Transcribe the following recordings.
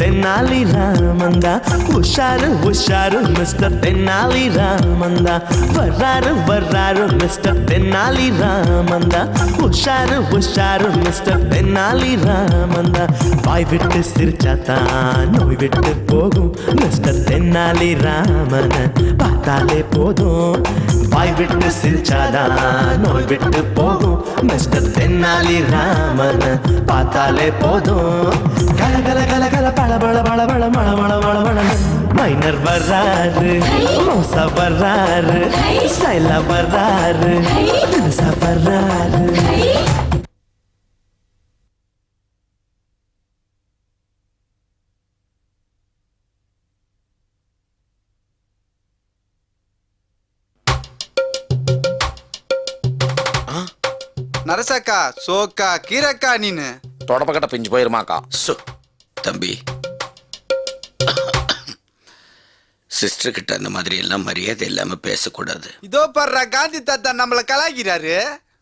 தென்னாலி ராமந்தா. உஷாரு உஷாரு மிஸ்டர் தென்னாலி ராமந்தா. வர்றாரு வர்றாரு மிஸ்டர் தென்னாலி ராமந்தா. உஷாரு உஷாரு மிஸ்டர் தென்னாலி ராமந்தா. வாய் விட்டு சிரிச்சாத்தான் நோய் விட்டு போகும் மிஸ்டர் தென்னாலி ராமன் பார்த்தாலே போதும். வாய் விட்டு சிரிச்சாதான் நோய் விட்டு போகும் மிஸ்டர் தென்னாலி ராமன் பார்த்தாலே போதும். கல கல கல கல பழ பழ பழ பழ மழ மழ மழ மழ. மைனர் வர்றாரு, மோசா வர்றாரு, ஸ்டைலா வர்றாரு, தினுசா வர்றாரு. நரசக்கா சோக்கா கீரக்கா நீனு தொடப்பக்கட்ட பிஞ்சு போயிருமாக்கா. தம்பி, சிஸ்டர் கிட்ட அந்த மாதிரி எல்லாம் மரியாதை இல்லாம பேசக்கூடாது. இதோ பர்ற காந்தி தாத்தா நம்மள கலாய்க்கிறாரு.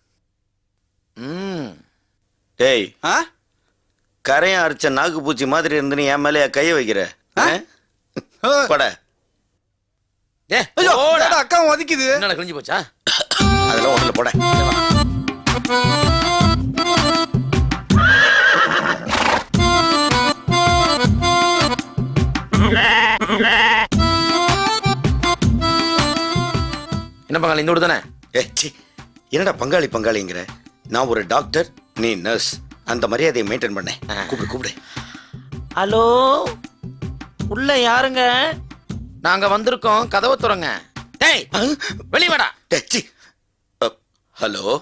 ஏய், கரையும் அரைச்ச நாக்கு பூச்சி மாதிரி இருந்து என் மேலே கைய வைக்கிற பட. அக்கா ஒதுக்குது. என்ன கிழிஞ்சு போச்சா? அதெல்லாம் ஒண்ணுல போட. என்ன பங்காளி இந்த தானே? என்னடா பங்காளி பங்காளிங்கிற? நான் ஒரு டாக்டர், நீ நர்ஸ். அந்த மரியாதையை மெயின்டைன் பண்ண. கூப்பிடு கூப்பிடு. ஹலோ, உள்ள யாருங்க? நாங்க வந்திருக்கோம், கதவை துறங்க. டேய் வெளிய வாடா. ஹலோ.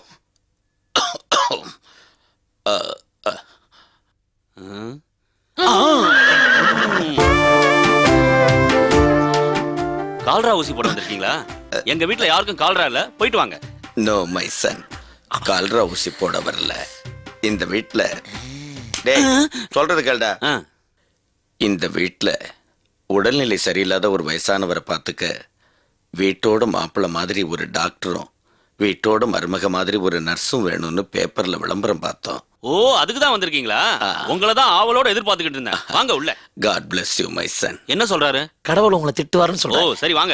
கால்ரா ஊசி போட வந்திருக்கீங்களா? எங்க வீட்ல யாருக்கும் கால்ரா இல்ல, போயிட்டு வாங்க. நோ மை சன், கால்ரா ஊசி போட வரல இந்த வீட்ல. டேய் சொல்றது கேளுடா. இந்த வீட்ல உடல்நிலை சரியில்லாத ஒரு வயசானவரை பார்த்துக்க வீட்டோட மாப்பிள்ளை மாதிரி ஒரு டாக்டரும் வீட்டோட மருமக மாதிரி ஒரு நர்ஸும் வேணும்னு பேப்பர்ல விளம்பரம் பார்த்தோம். ஓ, அதுக்கு தான் வந்திருக்கீங்களா? உங்களை தான் ஆவலோட எதிர்பார்த்துக்கிட்டு இருந்தேன். வாங்க உள்ள. God bless you my son. என்ன சொல்றாரு? கடவுள் உங்களை திட்டுவாருன்னு ஓ சொல்றாரு. சரி வாங்க.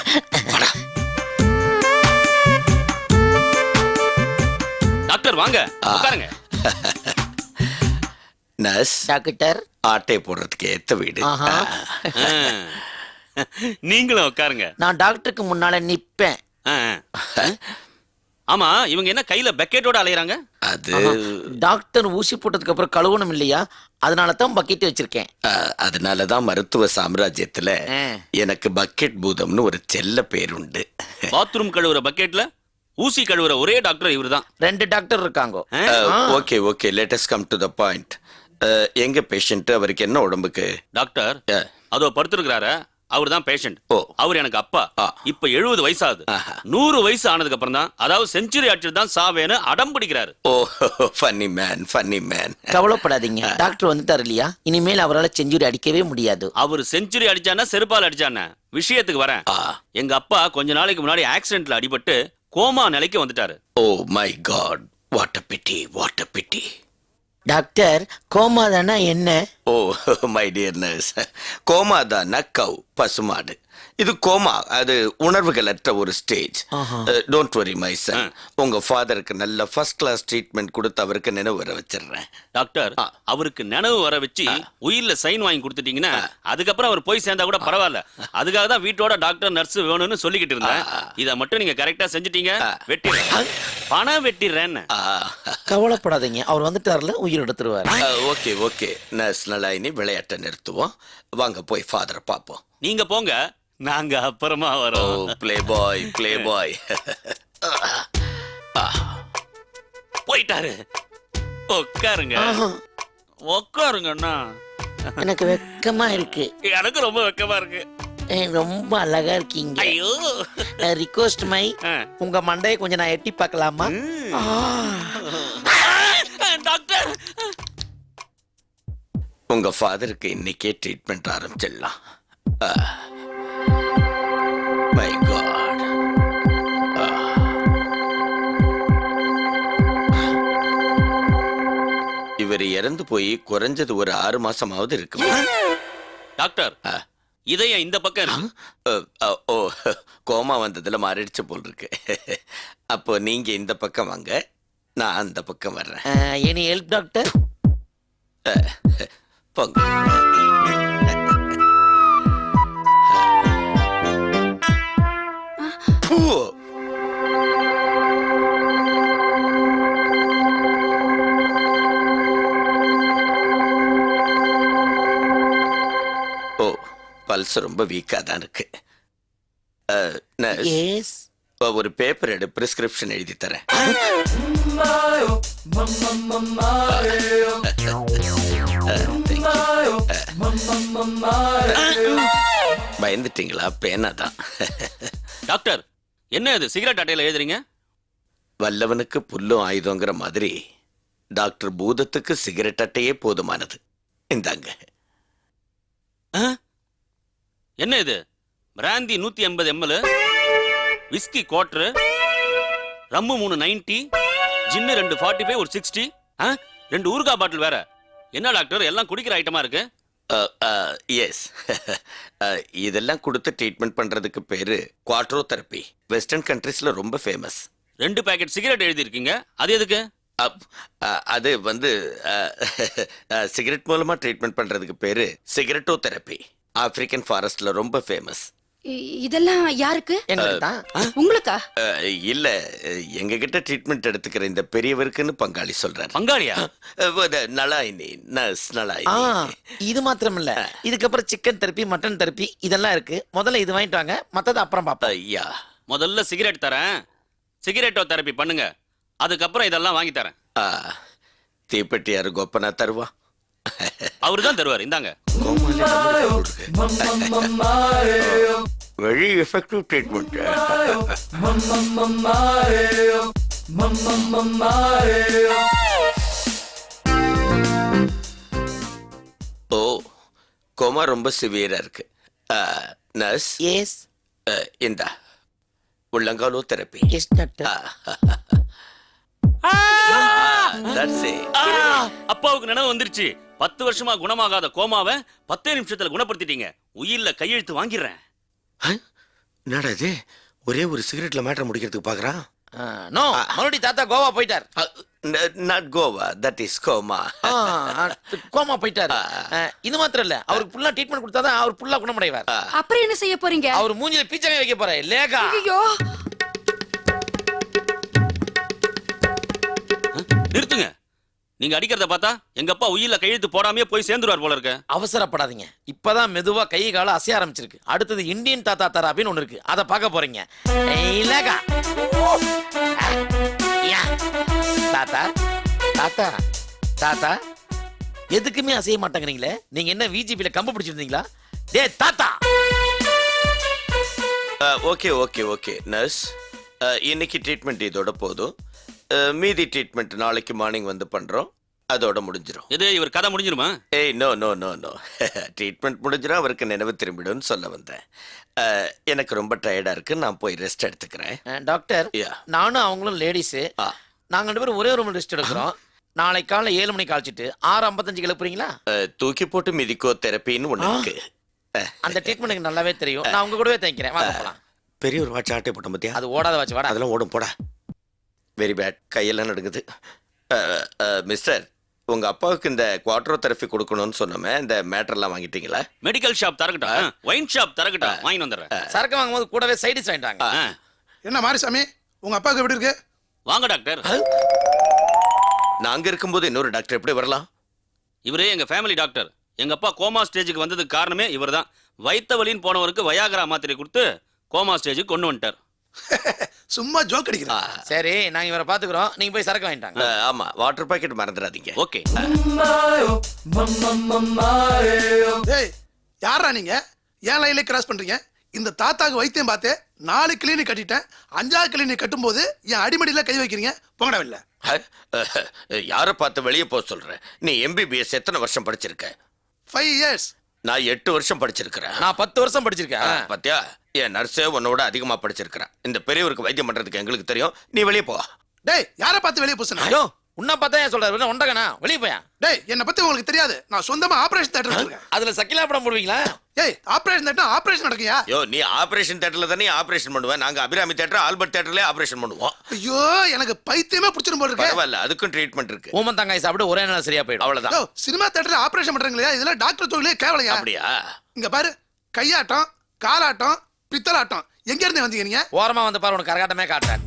டாக்டர் வாங்க உட்காருங்க. நர்ஸ் டாக்டர், ஆட்டை போடுறதுக்கு ஏத்த வீடு. நீங்களும் உட்காருங்க. நான் டாக்டருக்கு முன்னால நிப்பேன். ஆமா, இவங்க என்ன கையில பக்கெட்டோட அலையறாங்க? அது டாக்டர் ஊசி போட்டதுக்கு அப்புறம் கழுவணும் இல்லையா, அதனால தான் பக்கெட் வச்சிருக்கேன். அதனாலதான் மருத்துவ சாம்ராஜ்யத்துல எனக்கு பக்கெட் பூதம்னு ஒரு செல்ல பேர் உண்டு. பாத்ரூம் கழுவுற பக்கெட்ல ஊசி கழுவுற ஒரே டாக்டர் இவர்தான். 2 டாக்டர் இருக்காங்க. Okay okay, let us come to the point. எங்க பேஷண்ட், அவருக்கு என்ன உடம்புக்கு? டாக்டர் அதோ படுத்திருக்கிறாரு, அவர் தான் பேஷண்ட். அவர் எனக்கு அப்பா. இப்ப 70 வயசாகுது. 100 வயசு ஆனதுக்கு அப்புறம் தான், அதாவது செஞ்சுரி அடிச்சுட்டு தான் சாவேன்னு அடம் பிடிக்கிறாரு. ஓ ஃபன்னி மேன், ஃபன்னி மேன். கவலைப்படாதீங்க, டாக்டர் வந்துட்டார் இல்லையா, இனிமேல் அவரால் செஞ்சுரி அடிக்கவே முடியாது. அவர் செஞ்சுரி அடிச்சானா செருப்பால் அடிச்சானா? விஷயத்துக்கு வரேன். எங்க அப்பா கொஞ்ச நாளைக்கு முன்னாடி ஆக்சிடென்ட்ல அடிபட்டு கோமா நிலைக்கு வந்துட்டாரு. Oh my god, what a pity, what a pity. Doctor, coma தானா என்ன? Oh my dear nurse, coma தான் கவ், பசுமாடு. இது கோமா, அது உணர்வுகள் அற்ற ஒரு stage. Don't worry my son, உங்க ஃபாதருக்கு நல்ல ஃபர்ஸ்ட் கிளாஸ் ட்ரீட்மெண்ட் கொடுத்து அவருக்கு நினைவு வர வச்சிடுறேன். டாக்டர், அவருக்கு நினைவு வர வச்சு உயிர்ல சைன் வாங்கி கொடுத்துட்டீங்கன்னா அதுக்கப்புறம் அவர் போய் சேர்ந்தா கூட பரவாயில்ல. அதுக்காக தான் வீட்டோட டாக்டர் நர்ஸ் வேணும்னு சொல்லிக்கிட்டு இருந்தேன். இதை மட்டும் நீங்க கரெக்டா செஞ்சுட்டீங்க. வெட்டிடுறேன், பணம் வெட்டிடுறேன்னு. கவலைப்படாதீங்க, அவர் வந்துட்டார்ல, உயிர் எடுத்துருவாரு. ஓகே ஓகே நர்ஸ், நலாயினி விளையாட்டை நிறுத்துவோம். வாங்க போய் ஃபாதரை பார்ப்போம். நீங்க போங்க, நாங்க அப்புறமா வரோம். Play boy, play boy. போயிட்டாரு. உட்காருங்க உட்காருங்கண்ணா. எனக்கு வெக்கமா இருக்கு. எனக்கு ரொம்ப வெக்கமா இருக்கு. ரொம்ப அழகா இருக்கீங்க. ஐயோ, ரிக்வெஸ்ட் மை, உங்க மண்டையை கொஞ்சம் நான் எட்டி பார்க்கலாமா? டாக்டர், உங்க ஃபாதருக்கு இன்னைக்கே ட்ரீட்மெண்ட் ஆரம்பிச்சிடலாம். மை காட், இவர் இவர் இறந்து போய் குறைஞ்சது ஒரு 6 மாசமாவது இருக்கு. டாக்டர் இதயம் இந்த பக்கம் இருக்கு. ஓ கோமா வந்ததுல மாறிடுச்சு போல் இருக்கு. அப்போ நீங்க இந்த பக்கம் வாங்க, நான் அந்த பக்கம் வர்றேன். Any help doctor? போங்க. ஓ ஓ பல்ஸ் ரொம்ப வீக்கா தான் இருக்கு. nurse, yes. ஒரு பேப்பர் எடு, பிரிஸ்கிரிப்ஷன் எழுதி தரேன். பயந்துட்டீங்களா? பேனா தான். டாக்டர் என்ன இது சிகரெட் அட்டையில எழுதுறீங்க? வல்லவனுக்கு புல்லும் ஆயுதங்கிற மாதிரி டாக்டர் பூதத்துக்கு சிகரெட் அட்டையே போதுமானது. இந்தாங்க. என்ன இது? Brandy 180 ml, whisky quarter, rum 3 90, gin 2 45, ஒரு 60, 2 ஊறுகாய் பாட்டில் வேற. என்ன டாக்டர் எல்லாம் குடிக்கிற ஐட்டமா இருக்கு? எஸ். இதெல்லாம் கொடுத்து ட்ரீட்மெண்ட் பண்றதுக்கு பேரு குவாட்ரோ தெரப்பி. வெஸ்டர்ன் கண்ட்ரீஸ்ல ரொம்ப ஃபேமஸ். 2 பாக்கெட் சிகரெட் எழுதி இருக்கீங்க, அது எதுக்கு? அது வந்து சிகரெட் மூலமா ட்ரீட்மெண்ட் பண்றதுக்கு பேரு சிகரெட்டோ தெரப்பி. ஆப்பிரிக்கன் ஃபாரஸ்ட்ல ரொம்ப ஃபேமஸ். இதெல்லாம் யாருக்கு? எங்களுக்கு தான். உங்களுக்கா? இல்ல, எங்க கிட்ட ட்ரீட்மெண்ட் எடுத்துக்கிற இந்த பெரியவருக்குன்னு பங்காளி சொல்றாரு. பங்காளியா? நலாயினி, நர்ஸ் நலாயினி. இது மாத்திரம் இல்ல, இதுக்கப்புறம் சிக்கன் தெரப்பி, மட்டன் தெரப்பி இதெல்லாம் இருக்கு. முதல்ல இது வாங்கிட்டு வாங்க, மத்தத அப்புறம் பாப்போம். ஐயா, முதல்ல சிகரெட் தரேன், சிகரெட்டோ தெரப்பி பண்ணுங்க, அதுக்கப்புறம் இதெல்லாம் வாங்கி தரேன். தீப்பெட்டி யாரு கோப்பனா தருவா? அவரு தான் தருவார். இந்தாங்க. Very effective treatment. Oh, coma ரொம்ப சிவியரா இருக்கு. நர்ஸ், எஸ் இந்தா உள்ளங்காலோ therapy. Yes doctor. That's it. அப்பாவுக்கு நினைவு வந்துருச்சு. 10 வருஷமா குணமாகாத கோமாவை 10 நிமிஷத்துல குணப்படுத்திட்டீங்க. உயிர்ல கையெழுத்து வாங்கிடுறேன். என்னடா இது, ஒரே ஒரு சிகரெட்ல மேட்டர் முடிக்கிறதுக்கு பாக்குறான். நோ, மறுபடியும் தாத்தா கோவா போயிட்டார். Not Goa, that is coma. Coma போயிட்டாரு. இது மாத்திரம் இல்ல, அவருக்கு ஃபுல்லா ட்ரீட்மெண்ட் கொடுத்தாதான் அவர் ஃபுல்லா குணமடைவார். அப்புறம் என்ன செய்ய போறீங்க? அவர் மூஞ்சில பீச்சங்க வைக்க போறாரு. லேகா. ஐயோ, நிறுத்துங்க. நீங்க அடிக்கிறத பார்த்தா எங்க அப்பா உயிர்ல கையெழுத்து போடாமே போய் சேர்ந்துருவார் போல இருக்க. அவசரப்படாதீங்க, இப்பதான் மெதுவா கை கால அசைய ஆரம்பிச்சிருக்கு. அடுத்தது இந்தியன் தாத்தா தெரபின்னு ஒண்ணு இருக்கு, அதை பார்க்க போறீங்க. லேகா. தாத்தா தாத்தா தாத்தா எதுக்குமே அசைய மாட்டேங்கிறீங்களே, நீங்க என்ன விஜிபில கம்பு பிடிச்சிருந்தீங்களா? டே தாத்தா. ஓகே ஓகே ஓகே நர்ஸ், இன்னைக்கு ட்ரீட்மெண்ட் இதோட போதும். மீதி ட்ரீட்மெண்ட் நாளைக்கு மார்னிங் வந்து பண்றோம், அதோட முடிஞ்சிடும். இது இவர் கதை முடிஞ்சிருமா? ஏய், no no no no, treatment முடிஞ்சிடும், அவருக்கு நினைவு திரும்பிடும்னு சொல்ல வந்தேன். எனக்கு ரொம்ப டயர்டா இருக்கு, நான் போய் ரெஸ்ட் எடுத்துக்கிறேன். Doctor, Yeah. நானும் அவங்களும் லேடிஸ், நாங்க 2 பேரும் ஒரே ரூம்ல ரெஸ்ட் எடுக்கிறோம். நாளை காலைல 7 மணிக்கு காய்ச்சிட்டு 6:55 கிளப்புறீங்களா? தூக்கி போட்டு மிதிக்கோ தெரப்பின்னு ஒண்ணு இருக்கு. அந்த ட்ரீட்மெண்ட் எனக்கு நல்லாவே தெரியும், நான் உங்க கூடவே தங்கிக்கிறேன். வாங்க போலாம். பெரிய ஒரு வாட்ச் ஆட்டை போட்ட மத்தியா, அது ஓடாத வாட்ச். வாடா. அதெல்லாம் ஓடும் போடா. வெரி பேட், கையெல்லாம் நடுங்குது. மிஸ்டர், உங்க அப்பாவுக்கு இந்த குவாட்ரோ தெரப்பி கொடுக்கணும்னு சொன்னோமே, இந்த மேட்டர்லாம் வாங்கிட்டீங்களா? மெடிக்கல் ஷாப் தரக்கட்டும், ஒயின் ஷாப் தரக்கட்டும், வாங்கி வந்துடுறேன். சரக்கு வாங்கும்போது கூடவே சைடிஸ் வாங்கிட்டாங்க. என்ன மாரிசாமி, உங்க அப்பாவுக்கு எப்படி இருக்கு? வாங்க டாக்டர். நாங்க இருக்கும்போது இன்னொரு டாக்டர் எப்படி வரலாம்? இவரே எங்க ஃபேமிலி டாக்டர். எங்க அப்பா கோமா ஸ்டேஜுக்கு வந்ததுக்கு காரணமே இவர்தான். வயித்த வலின்னு போனவருக்கு வயாகரா மாத்திரை கொடுத்து கோமா ஸ்டேஜுக்கு கொண்டு வந்துட்டார். சும்மா ஜோக் அடிக்கிறா. சரி, நாங்க இவரை பாத்துக்கிறோம், நீங்க போய் சரக்கு வாங்கிட்டாங்க. ஆமா, வாட்டர் பாக்கெட் மறந்துடாதீங்க. ஓகே. ஏய், யாரா நீங்க? ஏன் லைன்ல கிராஸ் பண்றீங்க? இந்த தாத்தாக்கு வைத்தியம் பார்த்தே 4 கிளினிக் கட்டிட்டேன். 5ஆவது கிளினிக் கட்டும்போது என் அடிமடியில கை வைக்கிறீங்க. போங்கடா இல்ல. யாரை பார்த்து வெளியே போக சொல்ற? நீ எம்பிபிஎஸ் எத்தனை வருஷம் படிச்சிருக்க? 5 years. நான் 8 வருஷம் படிச்சிருக்கிறேன். நான் 10 வருஷம் படிச்சிருக்கேன். பாத்தியா, என் நர்ஸே உன்னோட அதிகமா படிச்சிருக்கிறேன். இந்த பெரியவருக்கு வைத்தியம் பண்றதுக்கு எங்களுக்கு தெரியும், நீ வெளியே போ. டேய், யாரை பார்த்து வெளியே பூசணும்? ஐயோ, உன்ன பார்த்தா ஏன் சொல்றாரு ஒண்டகனா வெளிய போயா டேய் என்ன பத்தி உங்களுக்கு தெரியாது, நான் சொந்தமா ஆபரேஷன் தியேட்டர் வச்சிருக்கேன். அதுல சக்கிலா படம் போடுவீங்களா? ஏய் ஆபரேஷன் தியேட்டர் ஆபரேஷன் நடக்குயா? யோ நீ ஆபரேஷன் தியேட்டர்ல தானே ஆபரேஷன் பண்ணுவேன். நாங்க அபிராமி தியேட்டர் ஆல்பர்ட் தியேட்டர்ல ஆபரேஷன் பண்ணுவோம். ஐயோ எனக்கு பைத்தியமே பிடிச்சிரும் போல இருக்கு. பரவாயில்ல, அதுக்கும் ட்ரீட்மெண்ட் இருக்கு. ஊமந்தங்காய் சாப்பிட்டு ஒரே நாள் சரியா போயிடும். அவ்வளவுதான். யோ சினிமா தியேட்டர்ல ஆபரேஷன் பண்றீங்களா? இதெல்லாம் டாக்டர் தொழிலே கேவலையா? அப்படியா? இங்க பாரு, கையாட்டம், காலாட்டம், பித்தலாட்டம், எங்க இருந்து வந்தீங்க நீங்க? ஓரமா வந்து பாரு, உனக்கு கரகாட்டமே காட்டுறேன்.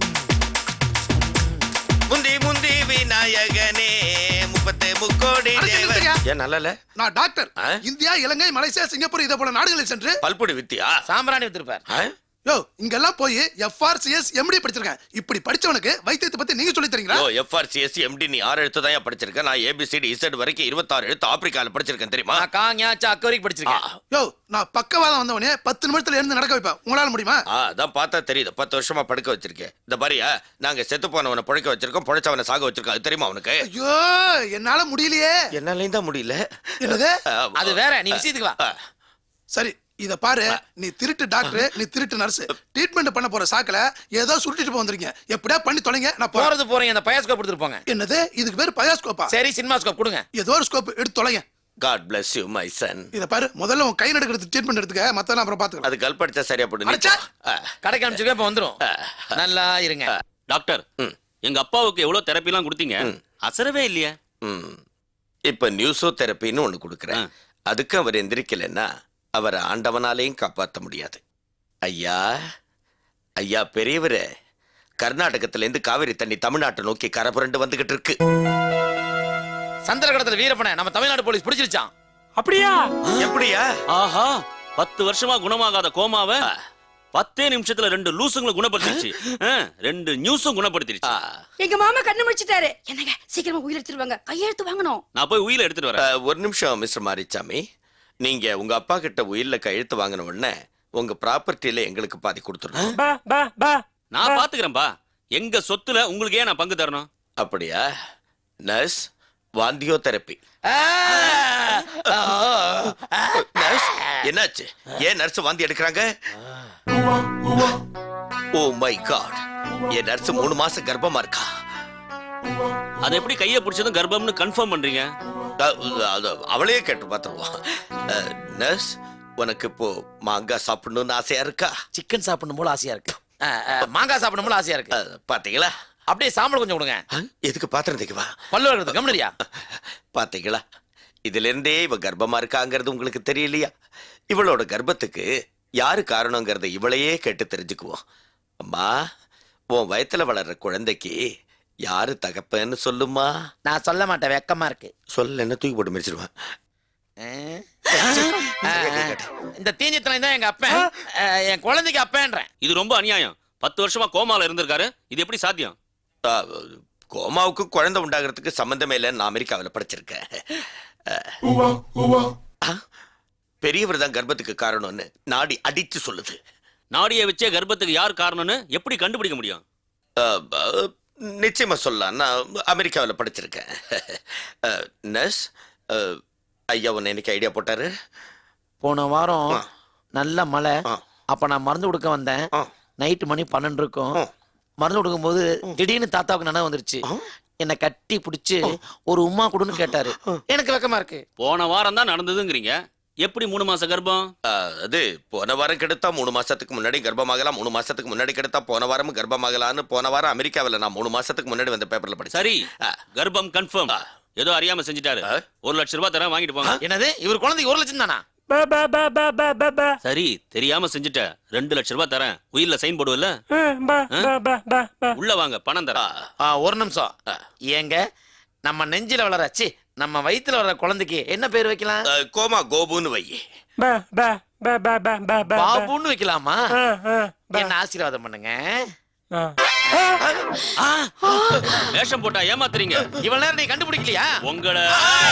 முந்தி முந்தி விநாயகனே 33 கோடி அட, சரி, தேவன். சரியா? ஏன் நல்லல? நான் டாக்டர். ஆ? இந்தியா, இலங்கை, மலேசியா, சிங்கப்பூர் இதை போல நாடுகளில் சென்று பல்பொடி வித்தியா? சாம்பிராணி வித்திருப்பார். ஆ? யோ இங்கெல்லாம் போய் FRCS MD படிச்சிருக்கேன். இப்படி படிச்சவனுக்கு வைத்தியத்தை பத்தி நீங்க சொல்லி தரீங்களா? யோ FRCS MD நீ 6 எழுத்து தான் படிச்சிருக்கேன். நான் ABCD Z வரைக்கும் 26 எழுத்து ஆப்பிரிக்கால படிச்சிருக்கேன் தெரியுமா? நான் காஞா சாக்க வரைக்கும் படிச்சிருக்கேன். யோ நான் பக்கவாதம் வந்தவனே 10 நிமிஷத்துல இருந்து நடக்க வைப்பேன். உங்களால முடியுமா? அதான் பார்த்தா தெரியுது. 10 வருஷமா படுக்க வச்சிருக்கேன். இந்த பாரியா, நாங்க செத்து போனவனை படுக்க வச்சிருக்கோம், பொழைச்சவனை சாக வச்சிருக்கோம். அது தெரியுமா உனக்கு? ஐயோ என்னால முடியலையே. என்னாலையும் தான் முடியல. என்னது? அது வேற, நீ விஷயத்துக்கு வா. சரி இத பாரு, நீ திருட்டு டாக்டர், நீ திருட்டு நர்ஸ். ட்ரீட்மெண்ட் பண்ண போற சாக்குல ஏதோ சுருட்டிட்டு போய் வந்திருக்கீங்க. எப்படியா பண்ணி தொலைங்க, நான் போறேன். போறீங்க, அந்த பயாஸ்கோப் எடுத்துட்டு போங்க. என்னது? இதுக்கு பேரு பயாஸ்கோப்பா? சரி, சினிமா ஸ்கோப் கொடுங்க. ஏதோ ஒரு ஸ்கோப் எடுத்து தொலைங்க. God bless you my son. இத பாரு, முதல்ல உன் கை நடுக்கிறது ட்ரீட்மெண்ட் எடுத்துக்க, மத்தெல்லாம் அப்புறம் பாத்துக்கலாம். அது கல்படிச்சா சரியா போடு. நீ அடச்சே! கடைக்கு அனுப்பிச்சுக்க, இப்ப வந்துரும். நல்லா இருங்க. டாக்டர், எங்க அப்பாவுக்கு எவ்வளவு தெரப்பி எல்லாம் கொடுத்தீங்க, அசரவே இல்லையா? இப்ப நியூஸோ தெரப்பின்னு ஒண்ணு கொடுக்குறேன். அதுக்கு அவர் எந்திரிக்கலன்னா அவரை ஆண்டவனாலையும் காப்பாற்ற முடியாது. ஐயா ஐயா பெரியவரே, கர்நாடகத்துல இருந்து காவிரி தண்ணி தமிழ்நாட்டை நோக்கி கரபுரண்டு வந்துகிட்டு இருக்கு. சந்திரகடத்துல வீரப்பனை நம்ம தமிழ்நாடு போலீஸ் பிடிச்சிருச்சான். அப்படியா? எப்படியா? ஆஹா, 10 வருஷமா குணமாகாத கோமாவை 10 நிமிஷத்துல 2 லூசுங்களை குணப்படுத்திருச்சு. 2 நியூஸும் குணப்படுத்திருச்சு. எங்க மாமா கண்ணு முடிச்சிட்டாரு. என்னங்க சீக்கிரமா உயிர் எடுத்துருவாங்க, கையெழுத்து வாங்கணும். நான் போய் உயிரை எடுத்துட்டு வரேன். ஒரு நிமிஷம் மிஸ்டர் மாரிச்சாமி, நீங்க உங்க அப்பா கிட்ட உயிர்ல கையெழுத்து வாங்கின உடனே உங்க ப்ராப்பர்ட்டியில எங்களுக்கு பாதி கொடுத்துருங்க. நான் பாத்துக்கிறேன்பா. எங்க சொத்துல உங்களுக்கு ஏன் நான் பங்கு தரணும்? அப்படியா? Nurse, வாந்தியோ therapy. நர்ஸ், என்னாச்சு? ஏன் நர்ஸ் வாந்தி எடுக்கிறாங்க? ஓ மை காட், என் நர்ஸ் 3 மாசம் கர்ப்பமா இருக்கா. அதை எப்படி கையை பிடிச்சதும் கர்ப்பம்னு கன்ஃபார்ம் பண்றீங்க? அவளையே கேட்டு பார்த்துருவோம். நர்ஸ், உனக்கு இப்போ மாங்காய் சாப்பிடணும்னு ஆசையா இருக்கா? சிக்கன் சாப்பிடணும் போல ஆசையா இருக்கு. மாங்காய் சாப்பிடணும் போல ஆசையா இருக்கு. பாத்தீங்களா? அப்படியே சாம்பல் கொஞ்சம் கொடுங்க. எதுக்கு பாத்திரம் தேய்க்கவா? பல்லு வளர்க்குறது கம்னரியா? பாத்தீங்களா? இதுல இருந்தே இவ கர்ப்பமா இருக்காங்கிறது உங்களுக்கு தெரியலையா? இவளோட கர்ப்பத்துக்கு யாரு காரணங்கிறத இவளையே கேட்டு தெரிஞ்சுக்குவோம். அம்மா, உன் வயத்துல வளர்ற குழந்தைக்கு யாரு தகப்பன்னு சொல்லுமா? நான் சொல்ல மாட்டேன், வெக்கமா இருக்கு. சொல்ல என்ன தூக்கி போட்டு மிதிச்சிருவேன். இந்த தீஞ்சத்தனை தான் எங்க அப்பன், என் குழந்தைக்கு அப்பன்றேன். இது ரொம்ப அநியாயம். 10 வருஷமா கோமால இருந்திருக்காரு, இது எப்படி சாத்தியம்? கோமாவுக்கு குழந்தை உண்டாகிறதுக்கு சம்பந்தமே இல்லைன்னு நான் அமெரிக்காவில் படிச்சிருக்கேன். பெரியவர் தான் கர்ப்பத்துக்கு காரணம்னு நாடி அடிச்சு சொல்லுது. நாடியை வச்சே கர்ப்பத்துக்கு யார் காரணம்னு எப்படி கண்டுபிடிக்க முடியும்? நிச்சயமா சொல்லலாம், நான் அமெரிக்காவில் படிச்சிருக்கேன். நர்ஸ், ஐயா உன்னை இன்னைக்கு ஐடியா போட்டாரு. போன வாரம் நல்ல மழை. அப்ப நான் மருந்து கொடுக்க வந்தேன். நைட்டு மணி 12 இருக்கும். மருந்து கொடுக்கும் போது திடீர்னு தாத்தாவுக்கு நினைவு வந்துருச்சு. என்னை கட்டி பிடிச்சு ஒரு உம்மா கொடுன்னு கேட்டாரு. எனக்கு வெக்கமா இருக்கு. போன வாரம் தான் நடந்ததுங்கிறீங்க, எப்படி 3 மாச கர்ப்பம்? அது போன வாரம் கெடுத்தா 3 மாசத்துக்கு முன்னாடி கர்ப்பமாகலாம், 3 மாசத்துக்கு முன்னாடி கெடுத்தா போன வாரமும் கர்ப்பமாகலான்னு போன வாரம் அமெரிக்காவில் நான் 3 மாசத்துக்கு முன்னாடி வந்த பேப்பர்ல படிச்சேன். சரி, கர்ப்பம் கன்ஃபார்ம். ஏதோ அறியாம செஞ்சுட்டாரு. 1 லட்சம் ரூபாய் தரேன், வாங்கிட்டு போங்க. என்னது? இவர் குழந்தைக்கு 1 லட்சம் தானா? சரி, தெரியாம செஞ்சுட்ட. 2 லட்சம் ரூபாய் தரேன், உயிர்ல சைன் போடுவல்ல. உள்ள வாங்க, பணம் தரேன். ஒரு நிமிஷம். ஏங்க, நம்ம நெஞ்சில வளர, சி நம்ம வயித்துல வளர குழந்தைக்கு என்ன பேர் வைக்கலாம்? கோமா கோபுன்னு வை. பாபுன்னு வைக்கலாமா? என்ன ஆசீர்வாதம் பண்ணுங்க. வேஷம் போட்டா ஏமாத்துறீங்க. இவ்வளவு நேரம் நீ கண்டுபிடிக்கலையா? உங்களை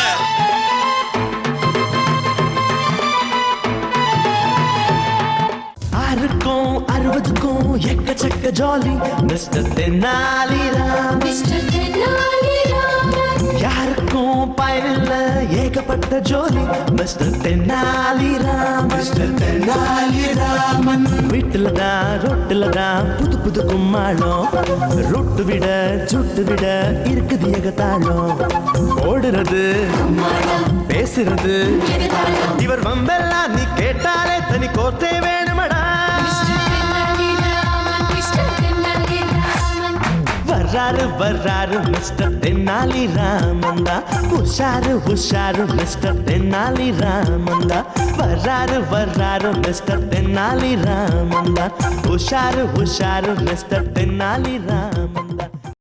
6க்கும் 60க்கும் எக்கச்சக்க ஜாலி மிஸ்டர் தென்னாலிராம். யாருக்கும் பயனில்ல ஏகப்பட்ட ஜோலி மிஸ்டர் தென்னாலிராம். வீட்டுல தான் ரோட்டுல தான் புது புது கும்மாளம் ரொட்டு விட சுட்டு விட இருக்குது ஏகத்தாளம் ஓடுறது பேசுறது இவர் வம்பெல்லாம் நீ கேட்டாலே தனி கோத்தே வேணுமடா வர்றாரு வர்றாரு மிஸ்டர் தென்னாலி ராமந்தா உஷாரு உஷாரு மிஸ்டர் தென்னாலி ராமந்தா வர்றாரு வர்றாரு மிஸ்டர் தென்னாலி ராமந்தா உஷாரு உஷாரு மிஸ்டர் தென்னாலி ராமந்தா